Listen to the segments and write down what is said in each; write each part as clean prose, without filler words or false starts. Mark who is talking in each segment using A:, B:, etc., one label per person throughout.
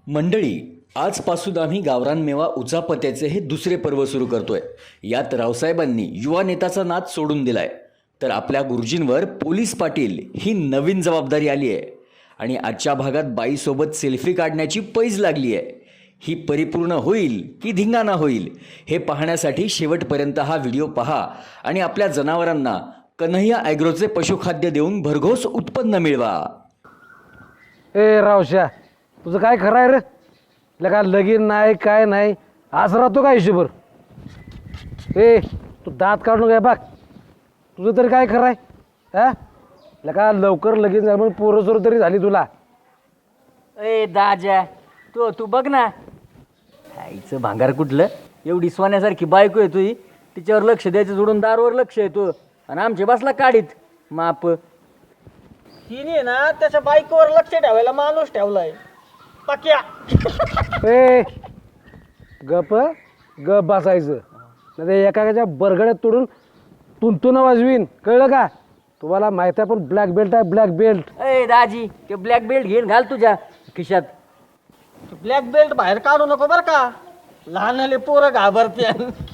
A: मंडळी, आजपासून आम्ही गावरान मेवा उचापत्याचे हे दुसरे पर्व सुरू करतोय. यात रावसाहेबांनी युवा नेताचा नाद सोडून दिलाय, तर आपल्या गुरुजींवर पोलीस पाटील ही नवीन जबाबदारी आली आहे. आणि आजच्या भागात बाईसोबत सेल्फी काढण्याची पैज लागली आहे. ही परिपूर्ण होईल की धिंगाणा होईल हे पाहण्यासाठी शेवटपर्यंत हा व्हिडिओ पहा आणि आपल्या जनावरांना कन्हैया ॲग्रोचे पशुखाद्य देऊन भरघोस उत्पन्न मिळवा.
B: ए रावश्या, तुझं काय खरं आहे रे? लगा लगीन नाही काय नाही, आज राहतो का हिशोबर? ए तू दात काढून काय बघ, तुझं तरी काय खरं आहे? हा लगा लवकर लगीन झालं म्हणून पोरं सोर तरी झाली तुला.
C: ए दाजा, तू बघ ना, आईचं भांगार कुठलं, एवढी सोन्यासारखी बायको आहे तुझी, तिच्यावर लक्ष द्यायचं सोडून दारूवर लक्ष येतो आणि आमचे बसला काढीत माप.
D: हिने ना त्याच्या बायकोवर लक्ष ठेवायला माणूस ठेवलाय पक्या.
B: ए गप गप बसायचं, नाही एकाच्या बरगड्यात तोडून तुंतून वाजवीन, कळलं का? तुम्हाला माहिती आहे पण ब्लॅक बेल्ट आहे, ब्लॅक बेल्ट.
C: ए दाजी, ते ब्लॅक बेल्ट घेऊन घाल तुझ्या खिशात.
D: ब्लॅक बेल्ट बाहेर काढू नको बर का, लहानले पोरं घाबरते.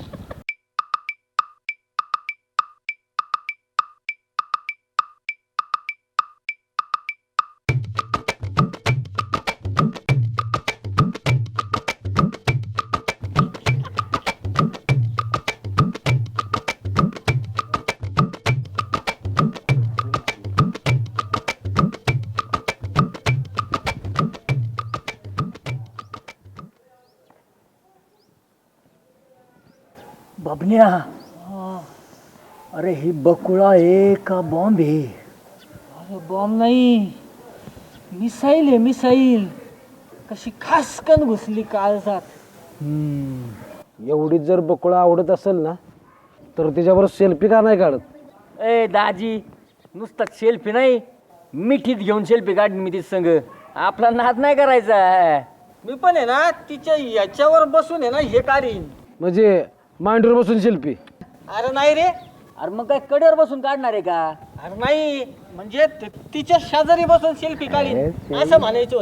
C: बबन्या, अरे ही बकुळा आहे का बॉम्ब आहे?
D: अरे बॉम्ब नाही, मिसाईल आहे मिसाईल. कशी खासकन घुसली काळजात.
B: एवढीच जर बकुळा आवडत असेल ना, तर त्याच्यावर सेल्फी का नाही काढत?
C: ए दाजी, नुसतं सेल्फी नाही, मिठीत घेऊन सेल्फी काढ मी तिथ संग. आपला नाद नाही करायचा.
D: मी पण आहे ना तिच्या याच्यावर बसून आहे ना हे काढीन.
B: म्हणजे मांडीवर बसून सेल्फी?
D: अरे नाही रे,
C: अरे मग काय कडेवर बसून काढणार आहे का?
D: अरे नाही म्हणजे तिच्या शेजारी बसून सेल्फी काढीन असं म्हणायचं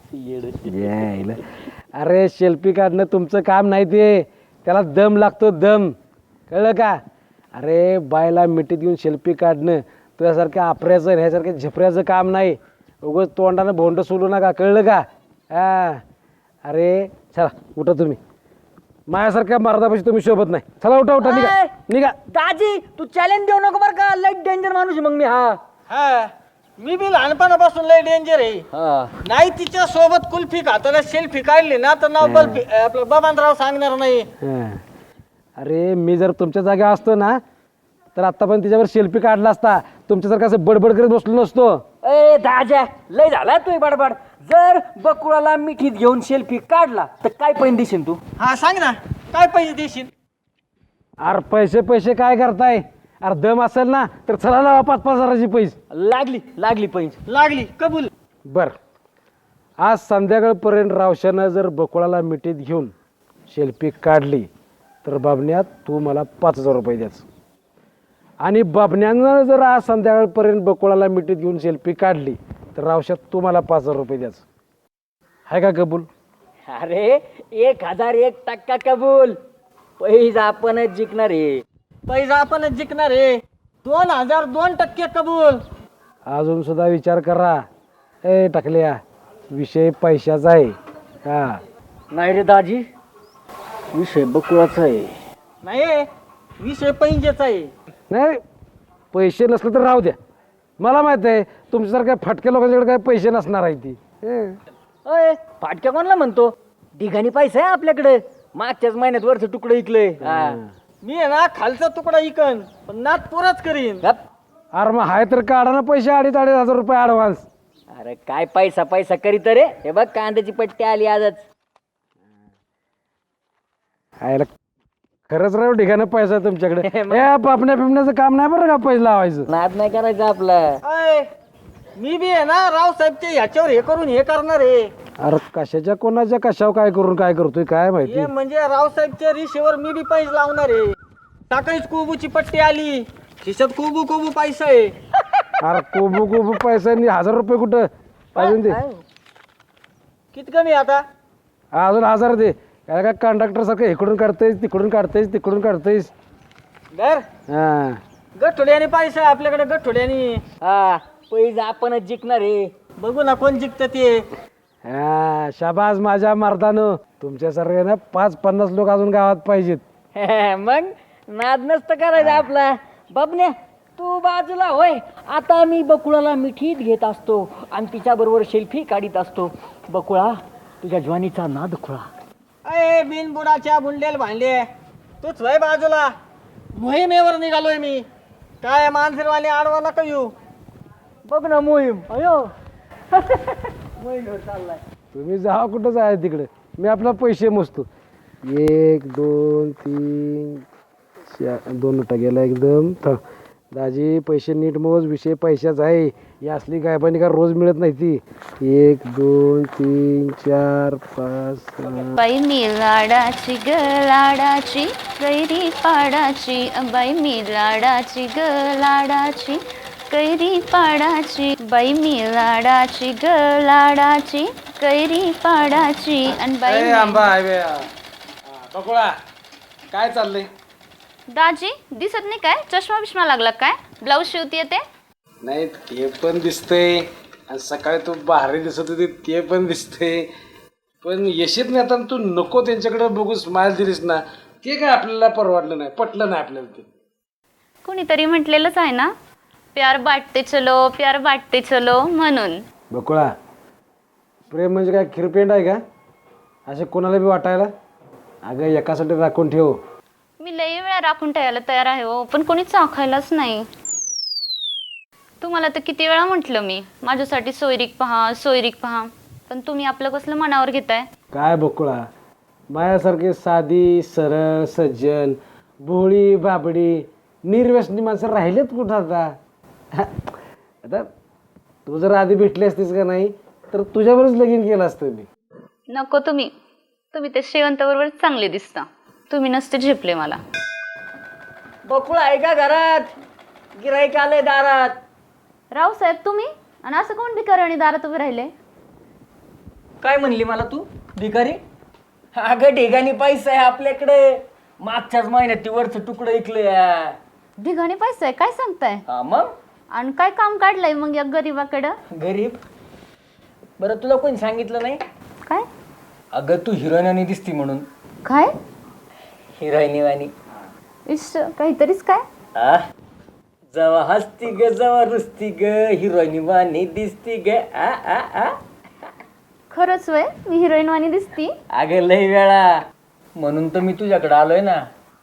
D: होतं.
B: अरे सेल्फी काढणं तुमचं काम नाही, ते त्याला दम लागतो, दम, कळलं का? अरे बायला मिठीत घेऊन सेल्फी काढणं तुझ्यासारख्या आपऱ्याचं ह्यासारख्या झपऱ्याचं काम नाही. उगाच तोंडानं भोंड सोडू नका, कळलं का? हा अरे चला उठा तुम्ही, माझ्यासारख्या मर्दापाशी तुम्ही शोभत नाही. चला उठा उठा, निघा
C: ए!
B: निघा.
C: दाजी, तू चॅलेंज देऊ नको बरं का, लाईट डेंजर माणूस आहे मग मी.
D: हा मी बी लहानपणापासून लय डेंजर आहे. नाही तिच्या सोबत कुल्फी खाताना सेल्फी काढली ना तर नाव बल्फी आपलं बबनराव सांगणार नाही.
B: हा. अरे मी जर तुमच्या जागा असतो ना, तर आता पण तिच्यावर सेल्फी काढला असता. तुमच्यासारखं असं बडबड करत बसलो नसतो.
C: ए दाजा, लय झाला तू बडबड. जर बकुळाला मिठीत घेऊन सेल्फी काढला तर काय पैन देशील तू?
D: हा सांग ना, काय पैसे देशील?
B: अरे पैसे पैसे काय करताय? अरे दम असेल ना तर चला लावा 5-5 हजाराची पैसे.
C: लागली पैन.
D: लागली कबूल.
B: बर, आज संध्याकाळपर्यंत रावशानं जर बकुळाला मिठीत घेऊन सेल्फी काढली तर बाबण्यात तू मला 5,000 रुपये द्याच. आणि बाबण्यानं जर आज संध्याकाळपर्यंत बकुळाला मिठीत घेऊन सेल्फी काढली तर रावशात तू मला 5,000 रुपये द्याच. आहे का कबूल?
C: अरे 1001% कबूल. पैसा आपणच जिंकणार आहे.
D: पैसा आपणच जिंकणार आहे. 2002% कबूल.
B: अजून सुद्धा विचार करा. ए टाकल्या, विषय पैशाचा आहे का?
C: नाही रे दाजी, विषय बकुळाचा आहे.
D: नाही विषय पैंजेचा आहे.
B: नाही, पैसे नसले तर राहू द्या. मला माहित आहे तुमच्यासारख्या फटक्या लोकांच्याकडे काय पैसे नसणार आहे ती.
C: अय फाटक्या कोणाला म्हणतो? ठिकाणी पैसा आहे आपल्याकडे. मागच्याच महिन्यात वरचं तुकडं इकलंय.
D: मी आहे ना खालचा तुकडा इकन पण नात पुराच करीन.
C: गप.
B: अरे मग हाय तर काढा ना पैसे, 2,500 रुपये ॲडव्हान्स.
C: अरे काय पैसा करीत रे. हे बघ कांद्याची पट्टी आली आजच.
B: आयला खरंच राहू ठिकाणी पैसा आहे तुमच्याकडे. ए पापण्या पिपण्याचं काम नाही बरं का पैसे लावायचं.
C: नाद नाही करायचं आपलं.
D: अय मी बी आहे ना रावसाहेबचे ह्याच्यावर हे करून हे करणार आहे.
B: अरे कशाच्या कोणाच्या कशावर काय करून काय करतोय काय माहिती.
D: हे म्हणजे रावसाहेबच्या रिशीवर मी बी पैसे लावणार आहे. सकाळीच कोबूची पट्टी आली, खिशात कोबू कोबू पैसा आहे.
B: अरे कोबू कोबू पैसा 1,000 रुपये कुठं अजून ते.
D: किती कमी आता?
B: अजून 1000 दे. काय कंडक्टर सारखं इकडून काढतोयस तिकडून काढतोयस तिकडून काढतोयस.
D: दर
B: हा
D: गठोड्याने पैसा आपल्याकडे गठोड्याने.
C: हा पैसा आपणच जिंकणार आहे.
D: बघू ना कोण जिंकतं ते.
B: हा शाबास माझ्या मर्दानं. तुमच्यासारखे ना 5-50 लोक अजून गावात पाहिजेत.
C: मग नाद नसतं करायचं आपला. बाबण्या तू बाजूला होय. आता मी बकुळाला मिठीत घेत असतो आणि तिच्याबरोबर सेल्फी काढीत असतो. बकुळा तुझ्या ज्वानीचा नाद खुळा.
D: अय बिनबुडाच्या बुंडेल भांडे तूच वय बाजूला. मोहिमेवर निघालोय मी. काय मानसरवाले आडवा नका येऊ.
C: बघ ना मोहीम. अयो मोहीमवर चाललाय.
B: तुम्ही जा कुठं जाय तिकडे. मी आपला पैसे मोजतो. 1 2 3 4 2 नोटा गेला एकदम. दाजी पैसे नीट मोज. विषय पैशाचा आहे. ही असली गायबानी का रोज मिळत नाही ती. 1 2 3 4 5 6.
E: बाई मी लाडाची ग लाडाची गैरी पाडाची. बाई मी लाडाची ग लाडाची कैरी पाडाची. बाई मी लाडाची ग लाडाची कैरी पाडाची. आणि बाई
B: बकुळा काय चाललंय.
E: दाजी दिसत नाही काय? चष्मा बिष्मा लागला काय? ब्लाऊज शिवते ते
B: नाही ते पण दिसतंय आणि सकाळी तू भारी दिसत होती ते पण दिसतंय. पण येशीत नाही आता तू नको त्यांच्याकडे बघू स्माइल दिलीस ना ते काय आपल्याला परवडलं नाही पटलं नाही आपल्याला ते.
E: कुणीतरी म्हटलेलंच आहे ना प्यार बाटते चलो प्यार बाटते चलो म्हणून.
B: बकुळा प्रेम म्हणजे काय खिरपेंड आहे का असे कोणाला बी वाटायला. अगं एकासाठी राखून ठेव.
E: मी लई वेळा राखून ठेवायला तयार आहे हो पण कोणी चाखायलाच नाही. तुम्हाला तर किती वेळा म्हटलं मी माझ्यासाठी सोयरीक पहा पण तुम्ही आपलं कसलं मनावर घेताय. काय
B: बकुळा माझ्यासारखे साधी सरळ सज्जन भोळी बाबडी निर्व्यसनी माणसं राहिलेत कुठं आता. आता तू जर आधी भेटली असतीस का नाही तर तुझ्यावरच लगीन केलं असतं मी.
E: नको तुम्ही ते श्रीवंत बरोबर चांगले दिसता. तुम्ही नसते झेपले मला.
C: बकुळा आहे का घरात? गिराईक आलंय दारात.
E: रावसाहेब तुम्ही आणि असं कोण भिकारी दारात उभे राहिले.
C: काय म्हणली मला तू भिकारी? अगं ढेगानी पैसा आहे आपल्याकडे. मागच्याच महिन्यात ती वरचं तुकडं ऐकलं.
E: ढिगाणी पैसा आहे काय सांगताय.
C: मग
E: आणि काय काम काढलंय मग या गरीबाकडं.
C: गरीब? बरं तुला कोणी सांगितलं नाही?
E: काय
C: अगं तू हिरोईनवानी दिसती म्हणून.
E: काय
C: हिरोईनीवानी.
E: इश्श काहीतरीच काय.
C: जवा हसती ग जवा रुसती ग हिरोईनीवानी दिसती ग.
E: खरंच वय मी हिरोईन वाणी दिसती.
C: अगं लई वेळा म्हणून तर मी तुझ्याकडे आलोय ना.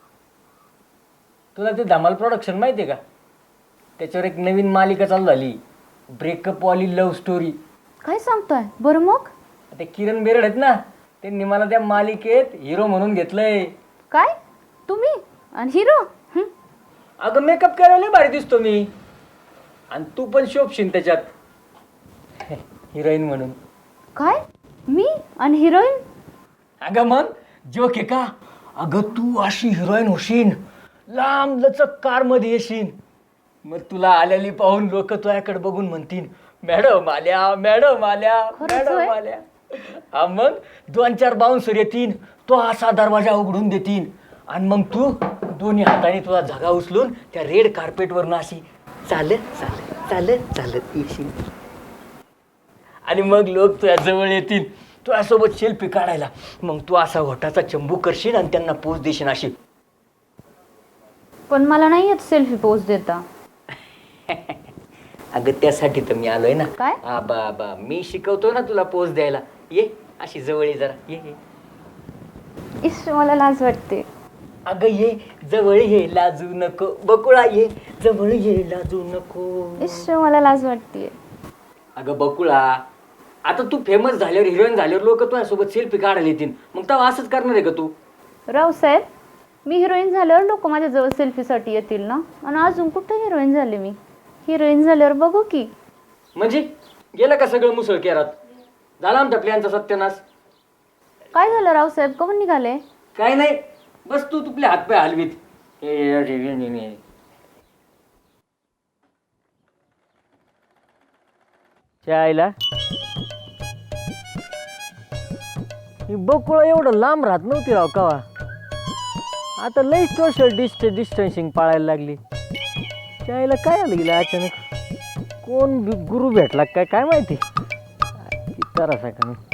C: तुला ते धमाल प्रोडक्शन माहिती आहे का? त्याच्यावर एक नवीन मालिका चालू झाली ब्रेकअप वाली लव्ह स्टोरी.
E: काय सांगताय. बरं मग
C: ते किरण बेरड आहेत ना त्यांनी मला त्या मालिकेत हिरो म्हणून घेतलंय.
E: काय तुम्ही आणि हिरो.
C: अगं मेकअप करायला भारी दिसतो मी आणि तू पण शोभशील त्याच्यात हिरोईन म्हणून.
E: काय मी आणि हिरोईन.
C: अगं मग जोक आहे का? अगं तू अशी हिरोईन होशील लांब लचक कारमध्ये येशील. मग तुला आलेली पाहून लोक तुझ्याकडे बघून म्हणतील मॅडम आल्या मॅडम आल्या मॅडम आल्या. हा मग 2-4 बाउन्सर येतील तो असा दरवाजा उघडून देतील आणि मग तू दोन्ही हाताने तुझा झगा उचलून त्या रेड कार्पेटवरनं अशी चालत चालत चालत चालत येशील आणि मग लोक तुझ्या जवळ येतील तुझ्यासोबत सेल्फी काढायला. मग तू असा होठाचा चंबू करशील आणि त्यांना पोच देशील अशी.
E: पण मला नाही येत सेल्फी पोस्ट देता.
C: अगं त्यासाठी तर मी आलोय ना.
E: काय?
C: बा मी शिकवतो ना तुला पोच द्यायला. ये अशी जवळ ये जरा ये.
E: इश्श मला लाज वाटते.
C: अगं ये जवळ ये लाजू नको. बकुळा ये जवळ ये लाजू नको.
E: इश्श मला लाज वाटते.
C: अगं बकुळा आता तू फेमस झाल्यावर हिरोईन झाल्यावर लोक तुझ्यासोबत सेल्फी काढायला येतील मग तेव्हा असंच करणार आहे का तू?
E: रावसाहेब मी हिरोईन झाल्यावर लोक माझ्याजवळ सेल्फीसाठी येतील ना. आणि अजून कुठं हिरोईन झाले मी. हिरोईन झाल्यावर बघू की.
C: म्हणजे गेलं का सगळं मुसळ केरात? झाला आमच्या प्लॅनचा सत्यानाश.
E: काय झालं रावसाहेब कमून निघाले.
C: काय नाही बस तू तुपले हातपाय हलवीत. चायला ही बकुळा एवढं लांब राहत नव्हती राव कवा. आता लई सोशल डिस्टन्सिंग पाळायला लागली. त्याला काय आलं गेलं अचानक, कोण गुरु भेटला काय काय माहिती. तरासा का नाही.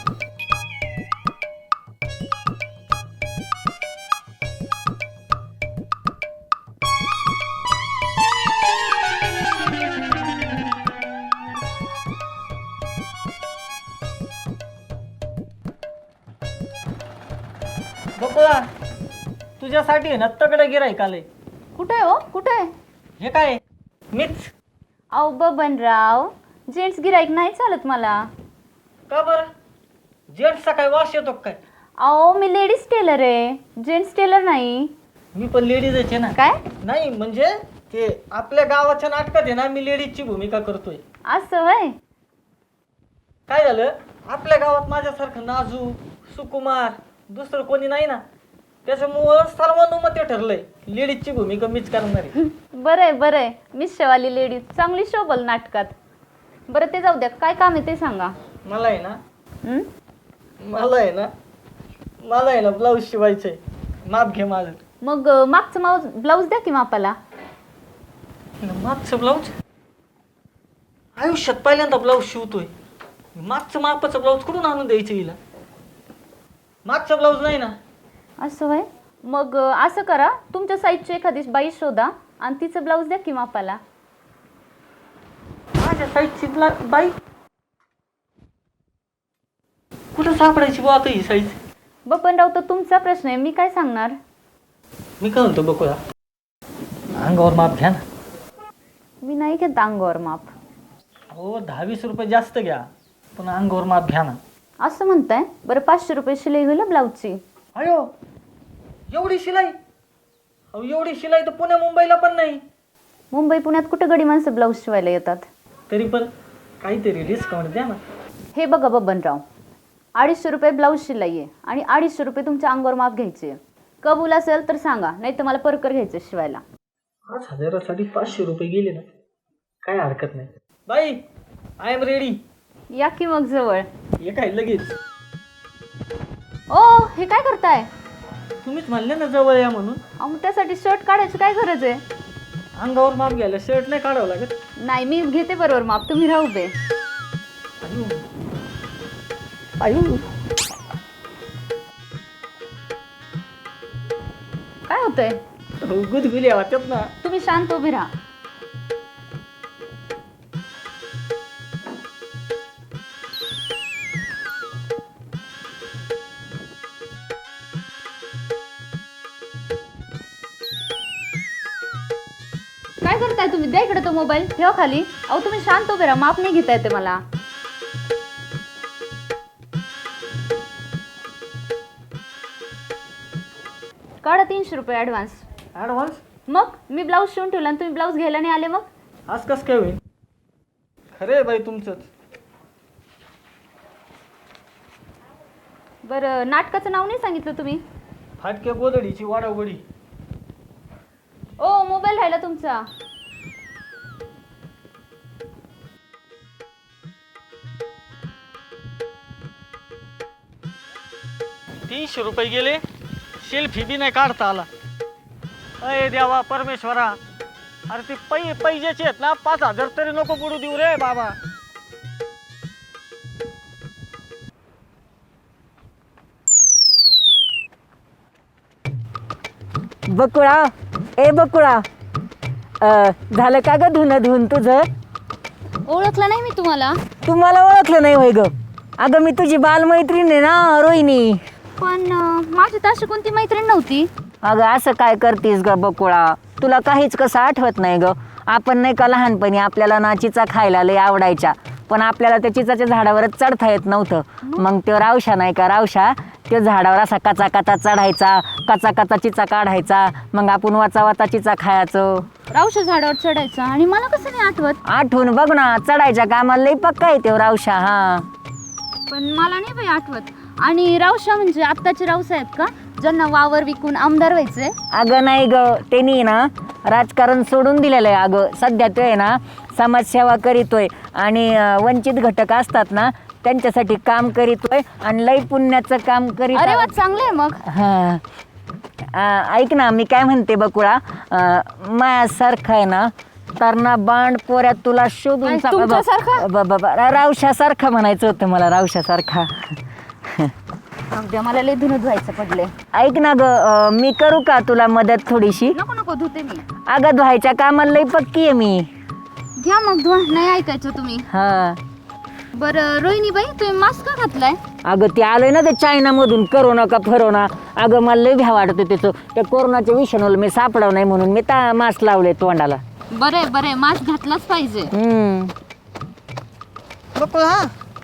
D: बकुळा, तुझ्यासाठी आहे ना तगडं गिराईक आलंय.
E: कुठे हो कुठे?
D: हे काय? मीच.
E: अहो बबनराव, जेंट्स गिराईक नाही चालत मला.
D: का बरं? जेंट्सचा काय वास येतो का काय?
E: अहो मी लेडीज टेलर आहे, जेंट्स टेलर नाही.
D: मी पण लेडीजच आहे ना.
E: काय
D: नाही म्हणजे ते आपल्या गावाच्या नाटकात आहे ना, मी लेडीजची भूमिका करतोय.
E: असं होय?
D: काय झालं, आपल्या गावात माझ्यासारखं नाजूक सुकुमार दुसरं कोणी नाही ना, त्याच्यामुळं सर्वानुमते ठरलंय लेडीजची भूमिका मीच करणार आहे.
E: बरंय बरंय, मिशवाली लेडीज चांगली शोभल नाटकात. बरं ते जाऊ द्या, काय काम आहे ते सांगा.
D: मला आहे ना
E: हं?
D: मला आहे ना ब्लाऊज शिवायचंय. माप घे माझं.
E: मग मागचं ब्लाऊज द्या की मापाला.
D: मागचं ब्लाऊज? आयुष्यात पहिल्यांदा ब्लाऊज शिवतोय. मागचं मापाचं ब्लाऊज कुठून आणून द्यायचं हिला? मागचं ब्लाऊज नाही ना.
E: असं होय? मग असं करा, तुमच्या साईजची एखादी बाई शोधा आणि तिचं ब्लाऊज द्या की मापाला.
D: माझ्या साईजची बाई कुठं सापडायची बुवा आता ही साईज?
E: बबनराव, तर तुमचा प्रश्न आहे, मी काय सांगणार.
D: मी काय म्हणतो बकुळा, अंगावर माप घ्या ना.
E: मी नाही घेत अंगावर माप.
D: हो 10-20 रुपये जास्त घ्या, पण अंगावर माप घ्या ना.
E: असं म्हणताय? बरं 500 रुपये शिलाई होईल ब्लाऊजची.
D: अयो, एवढी शिलाई? अहो एवढी शिलाई तर पुण्या मुंबईला पण नाही.
E: मुंबई पुण्यात कुठं गडी माणसं ब्लाऊज शिवायला येतात.
D: तरी पण काहीतरी डिस्काउंट द्या ना.
E: हे बघा बबनराव, 250 रुपये ब्लाऊज शिलाई आहे आणि 250 रुपये तुमच्या अंगावर माप घ्यायचे. कबूल असेल तर सांगा, नाही तर मला परकर घ्यायचं शिवायला.
D: 5,000साठी 500 रुपये गेले ना, काय हरकत नाही. बाई, आय एम रेडी.
E: या की मग जवळ.
D: हे काय लगेच?
E: ओ, हे काय करताय?
D: तुम्हीच म्हणले ना जवळ या म्हणून.
E: अहो, मग त्यासाठी शर्ट काढायची काय गरज आहे?
D: अंगावर माप घ्यायला शर्ट नाही काढावं लागत.
E: नाही, मी घेते बरोबर माप, तुम्ही राहू दे.
D: आयु,
E: काय होतंय?
D: गुदगुली वाटत ना.
E: तुम्ही शांत उभी राहा. काय करताय तुम्ही? द्या इकडे तो मोबाईल, ठेवा खाली. अहो तुम्ही शांत उभे राहा, माप नाही घेता येते मला. काढा 300 रुपये ॲडव्हान्स.
D: ॲडव्हान्स?
E: मग मी ब्लाऊज शिवून ठेवला आणि तुम्ही ब्लाऊज घ्यायला नाही आले मग?
D: आज कसं काय होईल? खरे बाई तुमचंच.
E: बरं, नाटकाचं नाव नाही सांगितलं तुम्ही?
D: फाटक्या गोदडीची वाडावडी.
E: ओ, मोबाईल राहिला तुमचा.
D: ₹300 गेले, सेल्फी बी नाही काढता आला. अय देवा परमेश्वरा, अरे ते पैजेचे आहेत ना, 5,000 तरी नको बुडू देऊ रे बाबा.
F: बकुळा, ए बकुळा, झालं का ग धुणं तुझं?
E: ओळखलं नाही मी तुम्हाला.
F: तू मला ओळखलं नाही होय ग? अगं मी तुझी बालमैत्रीण आहे ना, रोहिणी.
E: पण माझी तशी कोणती मैत्रीण नव्हती.
F: अगं असं काय करतीस ग बकुळा? तुला काहीच कसं आठवत नाही ग? आपण नाही का लहानपणी आपल्याला ना चिचा खायला लय आवडायच्या, पण आपल्याला त्या चिचाच्या झाडावरच चढता येत नव्हतं. मग तो रावशा नाही का, रावशा त्या झाडावर असा कचा कचा चढायचा, कचा कचा चिचा काढायचा, मग आपण वाचा वाचा चिचा खायचो.
E: रावशा झाडावर चढायचा आणि मला कसं नाही आठवत.
F: आठवून बघ ना, चढायच्या कामाला लई पक्का आहे तो रावशा. हा,
E: पण मला नाही बाई आठवत. आणि रावशा म्हणजे आत्ताचे रावसाहेब का, ज्यांना वावर विकून आमदार व्हायचे?
F: अगं नाही ग, त्यांनी ना राजकारण सोडून दिलेलं आहे. अगं सध्या तो आहे ना समाजसेवा करीतोय आणि वंचित घटक असतात ना त्यांच्यासाठी काम करीतोय आणि लई पुण्याचं काम करीत
E: अरे वा चांगलं आहे मग.
F: हा ऐक ना मी काय म्हणते बकुळा, मायासारखं आहे ना तरणा बांड पोऱ्या तुला शोधून
E: आणि तुमच्यासारखा?
F: रावशासारखा म्हणायचं होतं मला, रावशासारखा.
E: उद्या मला लय धुणं धुवायचं पडले.
F: ऐक ना ग, मी करू का तुला मदत थोडीशी?
E: नको नको धुते मी.
F: अगं धुवायच्या कामाला लई पक्की आहे मी.
E: घ्या मग धुवा. नाही ऐकायचं तुम्ही.
F: हा
E: बरं रोहिणीबाई तुम्ही मास्क का घातलाय?
F: अगं ते आलंय ना ते चायनामधून करोना का फरोना. अगं मला लई भ्या वाटतं त्याचं, त्या कोरोनाच्या विषाणूला मी सापडाव नाही म्हणून मी मास्क लावले तोंडाला.
E: बरं बरं मास्क घातलाच पाहिजे.
D: बकुळा,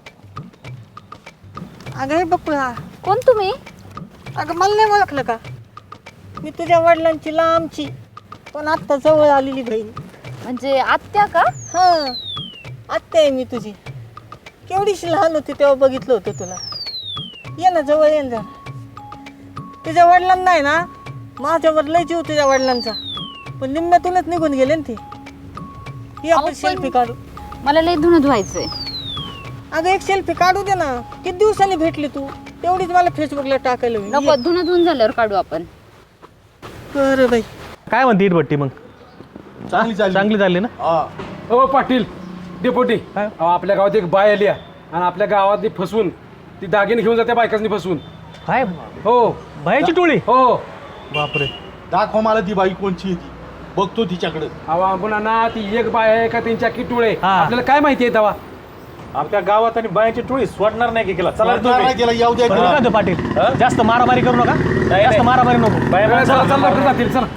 D: अगं हे बकुळा,
E: कोण तुम्ही?
D: अगं मला नाही ओळखलं का? मी तुझ्या वडिलांची लांबची पण आत्ता जवळ आलेली बहीण.
E: म्हणजे आत्या का?
D: हां, आत्या आहे मी तुझी. केवढीशी लहान होती तेव्हा बघितलं होतं तुला. ये ना जवळ, ये ना. तुझ्या वडिलांना आहे ना माझ्यावर लय जीव तुझ्या वडिलांचा, पण निम्म्यातूनच निघून गेले ना ते. ही आपण सेल्फी काढू.
E: मला लय धुणं धुवायचंय.
D: अगं एक सेल्फी काढू दे ना. किती दिवसांनी भेटली तू, तेवढीच मला फेसबुकला टाकायला होईल.
E: नको, धुणं धुवून झाल्यावर काढू आपण.
D: बरं बाई.
G: काय म्हणते इटभट्टी मग? चांगली झाली ना?
B: हो पाटील डेपोटी, अहो, आपल्या गावात एक बाय आली आहे आणि आपल्या गावात ती फसवून ती दागिने घेऊन जाते बायकांनी फसवून.
G: काय
B: हो
G: बायाची टोळी?
B: हो.
G: बापरे.
H: दाखव मला ती बाई कोणची ती, बघतो तिच्याकडे.
B: अहो आपण ना ती एक बाय आहे का त्यांच्या किटुळे
G: हा.
B: आपल्याला काय माहिती आहे तेव्हा.
G: आमच्या गावात आणि बायाची टोळी सोडणार नाही की केला. चला
H: त्याला येऊ द्या
G: बरं का तो पाटील, जास्त मारामारी करू नका. जास्त मारामारी नको.
B: चला चला लवकर जातील. चला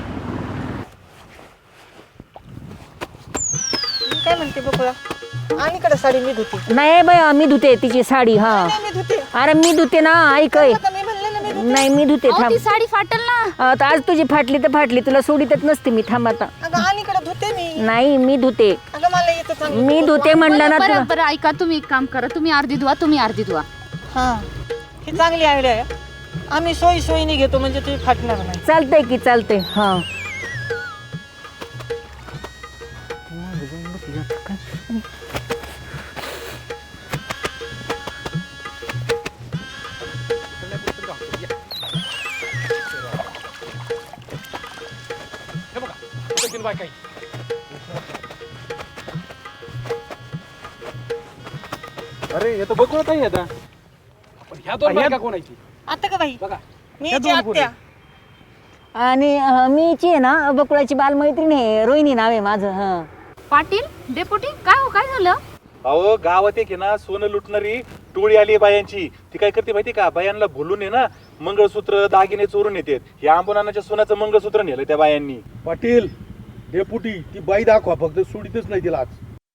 D: मी काय म्हणते बकुळा, आणि कडे साडी मी धुते.
F: नाही बाय मी धुते तिची साडी. हा
D: नाही, मी धुते.
F: अरे मी धुते ना, ऐक
D: आता मी म्हणले ना मी धुते.
F: नाही मी धुते
E: अहो,
F: थांब.
E: ती साडी फाटल ना.
F: आता आज तुझी फाटली तर फाटली, तुला सोडीतच नसते मी. थांब आता.
D: अगं आणि कडे धुते मी.
F: नाही मी धुते,
D: अगं मला येतं चांगलं.
F: मी धुते म्हणलं ना
E: बरं
F: तुला.
E: बरं बरं, ऐका तुम्ही एक काम करा, तुम्ही अर्धी धुवा, तुम्ही अर्धी धुवा.
D: हां, ही चांगली आयडिया आहे. आम्ही सोयीने घेतो म्हणजे तुम्ही फाटणार नाही.
F: चालतंय की चालतंय. हा
B: अरे हे तर बघून नाही आता. पण ह्या दोन बायका कोणाची?
D: आता का बाई,
B: बघा
D: मी याची आत्या.
F: आणि मीची आहे ना बकुळाची बालमैत्रीण आहे, रोहिणी नाव आहे माझं. हा
E: पाटील डेपुटी काय हो, काय झालं?
G: अहो गावात एक आहे ना सोनं लुटणारी टोळी आली बायांची. ती काय करते माहिती का, बायांना भुलून आहे ना मंगळसूत्र दागिने चोरून येतात. या आंबोनाच्या सोन्याचं मंगळसूत्र नेलं त्या बायांनी.
H: पाटील डेपुटी ती बाई दाखवा, फक्त सोडीतच नाही तिला आज.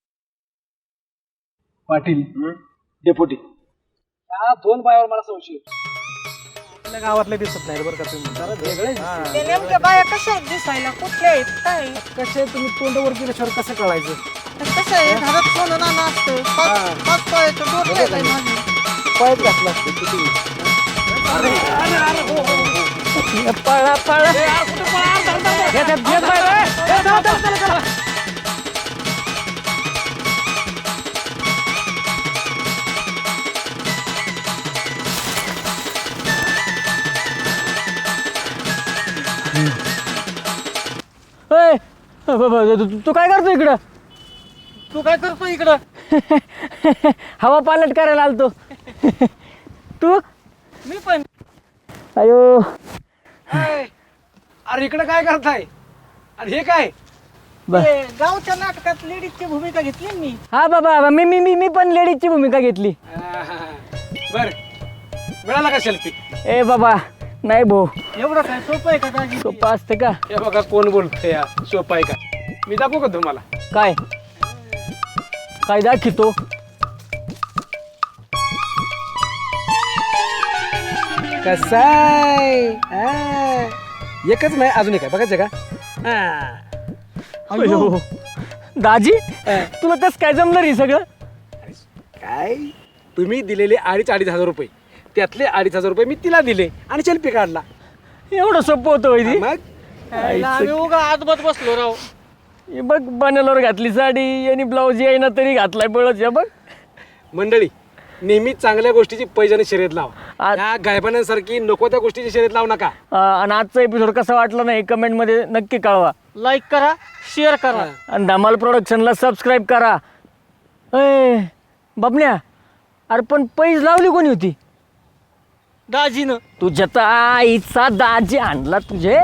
B: पाटील डेपुटी, या दोन बायावर मला संशय आहे.
G: आपल्या गावातले दिसत नाही बरं का तुम्ही.
B: जरा वेगळे दिसते.
D: ते नेमक्या बाया कशा आहेत दिसायला, कुठल्या आहेत, काय आहेत?
B: कसे तुम्ही तोंडावर गेल्याशिवाय कसं कळायचं?
D: कसं आहे, घरात सोनं नाणं असतं. पाच पायाचं डोकं आहे माझं.
B: पायच घातला असतो किती.
F: पळा पळा. तू काय करतो इकडं?
D: तू काय करतो इकडं?
F: हवा पालट करायला आलतो. तू?
D: मी पण.
F: अयो
B: अरे इकडे काय करताय? अरे हे काय?
D: ते गावच्या नाटकात लेडीजची भूमिका घेतली ना मी.
F: हा बाबा मी मी मी मी पण लेडीजची भूमिका घेतली.
B: बर मिळाला का सेल्फी?
F: ए बाबा नाही भाऊ,
D: एवढं काय सोपं आहे का दाजी?
F: सोपं असतं का?
B: हे बघा कोण बोलतोय या, सोपं आहे का? मी दाखवू का तुम्हाला?
F: काय काय दाखवतो?
B: कसाय एकच नाही अजून एक आहे, बघायचं का?
F: अयो दाजी तुला तस काय जमलं रे सगळं?
B: काय तुम्ही दिलेले 2,500 रुपये, त्यातले 2,500 रुपये मी तिला दिले आणि सेल्फी काढला.
F: एवढं सोपं होतं वैदी?
B: मग
D: आम्ही उगा आजबत बसलो राव.
F: हे बघ बनेलवर घातली साडी आणि ब्लाऊज येईना तरी घातलाय बळच. या बघ
B: मंडळी नेहमी चांगल्या गोष्टीची पैजाने शर्यत लाव.
C: आ-
B: त्या गायबानासारखी नको त्या गोष्टीची शर्यत लावू नका.
C: आणि आजचा एपिसोड कसा वाटला नाही कमेंटमध्ये नक्की कळवा.
D: लाईक करा, शेअर करा.
C: आणि धमाल प्रोडक्शनला सबस्क्राईब करा. ए बबन्या, अरे पण पैज लावली कोणी होती?
D: दाजीनं.
C: तुझ्या तर आईचा दाजी आणला तुझे.